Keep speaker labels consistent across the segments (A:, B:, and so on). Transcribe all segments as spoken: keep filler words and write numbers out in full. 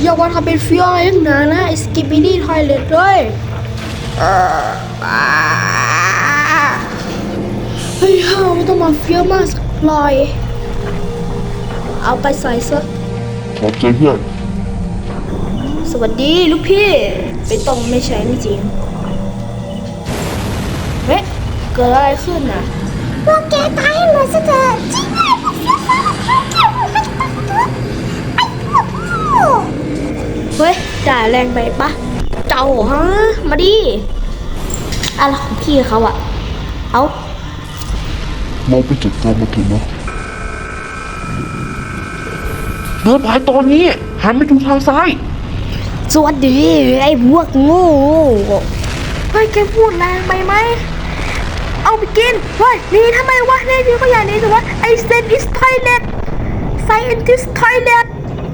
A: อย่าว่าทำเป็นเฟี้ยวอะไรนักหนานะไอ้สกิปปี้ดี้ทอยเล็ตเลยเฮ้ยเฮาไม่ต้องมาเฟี้ยวมากสักลอยเอาไปใส่ซะ
B: ขอบใจเพื่อน
A: สวัสดีลูกพี่ไม่ต้องไม่ใช่ไม่จริงเฮ้ยเกิดอะไรขึ้นน่ะ
C: พวกแกตายให้หมดซะเถอะจริงเลยพวกเฟี้ยวฟ้าวพวกแกหมดมันจะตายไอ้พวกโง่
A: เฮ้ยจ่ายแรงไปปะเจ้าฮะมาดิอะไรของพี่เขาอะเอา
B: เราไปจัดการมาถึงเนาะเดินไปตอนนี้หันไปดูทางซ้าย
A: สวัสดีไอ้พวกโง่เฮ้ยแกพูดแรงไปไหมเอาไปกินเฮ้ยหนี่ทำไมวะนี่นี่ก็อย่างนี้แต่ว่าไอ้ scientist toilet scientist toilet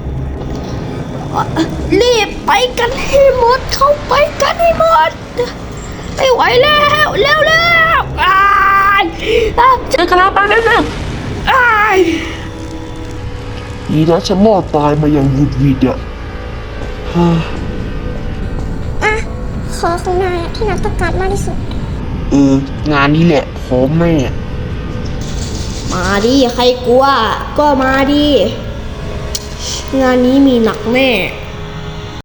A: รีบไปกันให้หมดเข้าไปกันให้หมดไม่ไหวแล้วเร็วแล้วอ้ายเจอกันแล้วไปเร็วๆอ้าย
B: ดีนะฉันรอดตายมาอย่างวุดวิดอ่ะฮ่า
C: อะขอของนายอะที่นายต้องการมากที่สุด
B: เอองานนี้แหละพร้อมแม่
A: มาดิใครกลัวก็มาดิงานนี้มีหนักแน่